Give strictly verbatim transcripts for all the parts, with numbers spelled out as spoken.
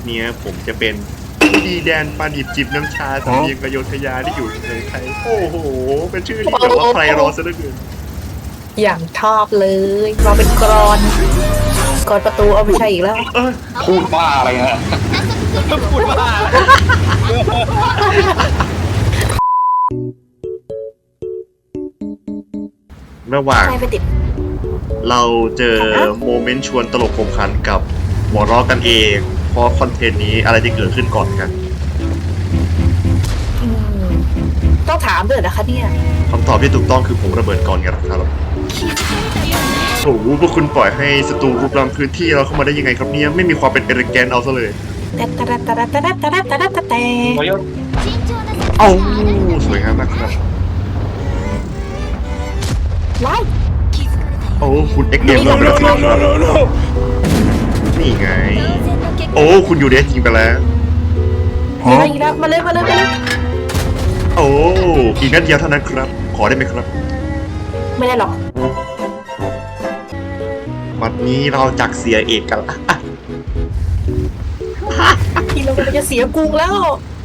นี้ผมจะเป็นผู้ดีแดนปานิบจิบน้ำชาสำเนียงอโยธยาที่อยู่ในไทยโอ้โหเป็นชื่อที่แบบว่าใครรอซะเหลือเกินอย่างชอบเลยเราเป็นกรอนกรอนประตูเอาไม่ใช่อีกแล้วพูดบ้าอะไรฮะพูดบ้าระหว่างเราเจอโมเมนต์ชวนตลกขบขันกับหัวเราะกันเองเพราะคอนเทนต์นี้อะไรจะเกิดขึ้นก่อนกันต้องถามด้วยนะคะเนี่ยคำตอบที่ถูกต้องคือผมระเบิดก่อนไงครับโอ้โหพวกคุณปล่อยให้ศัตรูรุกรานพื้นที่เราเข้ามาได้ยังไงครับเนี่ยไม่มีความเป็นเอริแกนเอาซะเลยแต่แต่แต่แต่แต่แต่แต่แต่แต่เอ้าสวยงามมากครับไล่โอ้คุณเอ็กเอ็มเราไปแล้วครับนี่ไงโอ้คุณอยู่เดสจริงไปแล้วมาอีกแล้วมาเลยมาเลยมาเลยโอ้อีกนัดเดียวเท่านั้นครับขอได้ไหมครับไม่ได้หรอกวันนี้เราจักเสียเอกกันละทีเราจะเสียกรุงแล้ว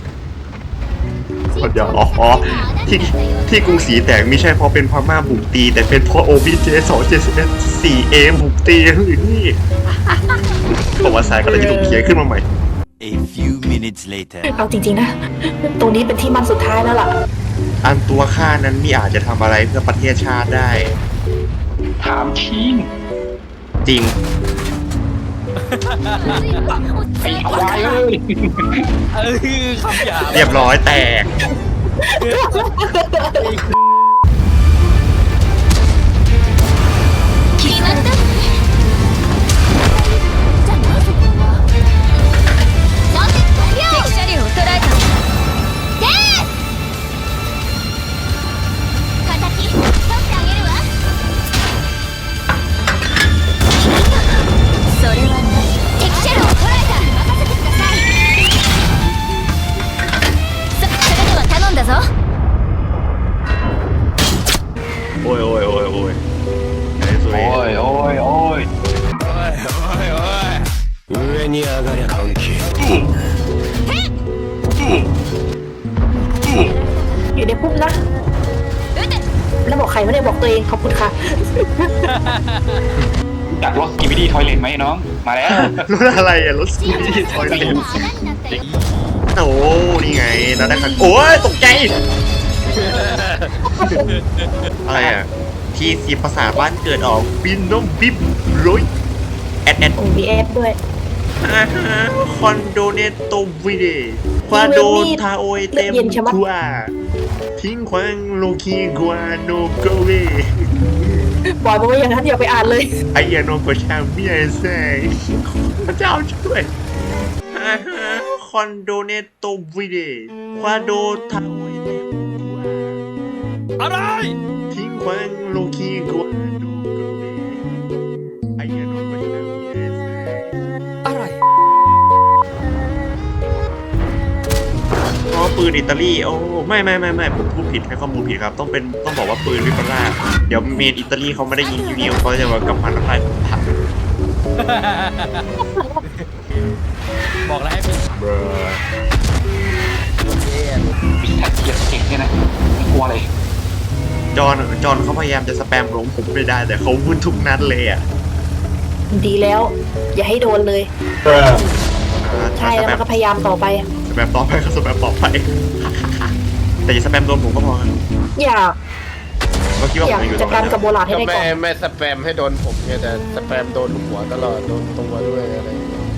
เดี๋ยวอ๋อที่ที่กรุงศรีแตกไม่ใช่เพราะเป็นพม่าบุกตีแต่เป็นเพราะโอบีเจสองเจ็ดสิบเอ็ดสี่เอมบุกตีหรือนี่ประวัติศาสตร์ก็เลยจะถูกเขียนขึ้นมาใหม่ A few minutes later เอาจริงๆนะตรงนี้เป็นที่มันสุดท้ายแล้วล่ะอันตัวข้านั้นไม่อาจจะทำอะไรเพื่อประเทศชาติได้ถามทีมจริงไอ้ควายเลยเออคำหยาบเรียบร้อยแตกโอ้ยโอ้ยโอ้ยโอ้ยโอ้ยโอ้ยโอ้ย上に上がりゃ関係อยู่ในพุ่มนะแล้วบอกใครไม่ได้บอกตัวเองขอบคุณค่ะจากรถสกิบิดี้ทอยเลนไหมน้องมาแล้วรถอะไรอะรถสกิบิดี้ทอยเลนโอ้นี่ไงเราได้คันโอ้ยตกใจอะไรอ่ะที่สีภาษาบ้านเกิดออกบินน้องบิบร้อยแอดแอดโอ้มีแอดด้วยอ่าฮะคอนโดเนตโตวิเดควาโดทาโอยเต็มกัวทิ้งควังโลคีกัวโนโกเวบอยบอกว่าอย่างนั้นอย่าไปอ่านเลยไอ้ยาโนโกชาเมียเซ่พระเจ้าช่วยอ่าฮะคอนโดเนตโตวิเดควาโดทาโอยเต็มอะไรทิ้งควังโลคีกัวโนโกเวไอ้ยาโนโกชาเมียเซ่อะไรอ๋อปืนอิตาลีโอ้ไม่ไม่ไม่ไม่ผมพูดผิดให้ข้อมูลผิดครับต้องเป็นต้องบอกว่าปืนวิปราเดี๋ยวเมนอิตาลีเขาไม่ได้ยิงนิวเขาจะว่ากำพันอะไรผักบอกแล้วให้เป็นเบอร์มีแท็กเกียร์เก่งเนี่ยนะไม่กลัวเลยจอนจอนเขาพยายามจะสแปมลงผมไม่ได้แต่เขาวุ่นทุกนัดเลยอ่ะดีแล้วอย่าให้โดนเลยใช่แล้วก็พยายามต่อไปสแปมต่อไปก็สแปมต่อไปแต่อย่าสแปมโดนผมก็พออยากเมื่อกี้ว่าผมอยู่ตรงนั้นจัดการกับโบราณให้ได้ก่อนไม่ไม่สแปมให้โดนผมเนี่ยแต่สแปมโดนหัวตลอดโดนตัวด้วยอะไร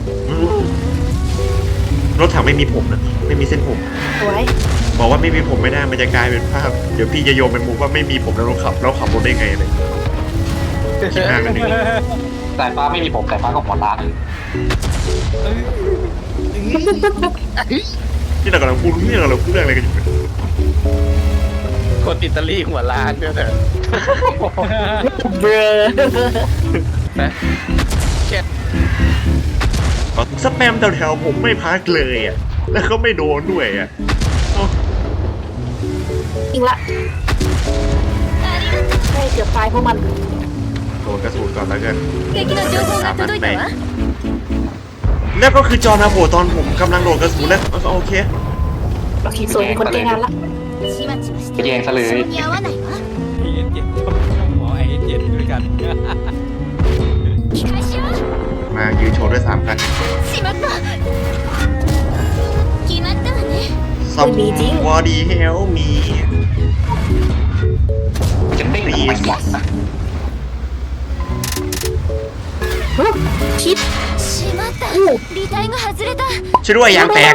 รถถังไม่มีผมนะไม่มีเส้นผมไว้บอกว่าไม่มีผมไม่ได้มันจะกลายเป็นภาพเดี๋ยวพี่จะโยนเป็นมุกว่าไม่มีผมแล้วเราขับแล้วขับรถได้ไงอะไรคิดหน้ากันดีแต่ฟ้าไม่มีผมแต่ฟ้าก็หัวล้านนี่เรากำลังพูดนี่เรากำลังพูดเรื่องอะไรกันอยู่คนอิตาลีหัวล้านเนี่ยแต่เบรนะเช็ดสแปมแถวๆผมไม่พักเลยอ่ะแล้วก็ไม่โดนด้วยอ่ะอีกละให้เกือบตายเพราะมันโดนกระสุนก่อนแล้วกันสามนัดแตกแล้วก็คือจอนาโผล่ตอนผมกำลังโดดกระสุนแล้วโอเคโอเคสวยมีคนแก้งานละไปแย่งซะเลยไอเอ็นเจ็ดหมอไอเอ็นเจ็ดด้วยกันมายืนโชว์ด้วยสามครั้งซัมวอดีเฮลมีจะเด้งทำไมวะคิดช่วยด้วยยางแตก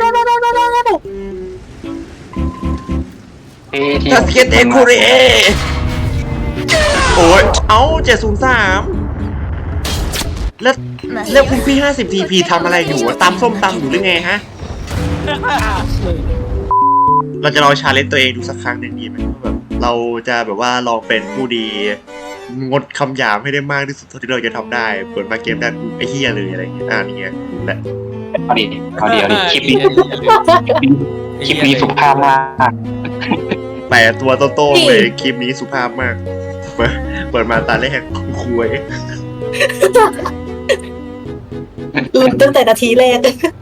เอทีทัสเกตเอ็กคูเรโอ้ยเอาเจ็ดศูนย์สามแล้วแล้วคุณพี่ห้าสิบทีพีทำอะไรอยู่อะตำส้มตำอยู่หรือไงฮะ เราจะลองชาเลนจ์ตัวเองดูสักครั้งหนึ่งดีไหมว่าแบบเราจะแบบว่าลองเป็นผู้ดี งดคำหยาบให้ได้มากที่สุดเท่าที่เราจะทำได้เปิดมาเกมได้กูไอ้เฮียเลยอะไรอย่างเงี้ยอ่านี่ไงแหละเอาดิเอาดิเอาดิคลิปนี้คลิปนี้สุภาพมากแต่ตัวโตๆเลยคลิปนี้สุภาพมาก เปิดเปิดมาตาแรกคุยลุ้นตั้งแต่นาทีแรก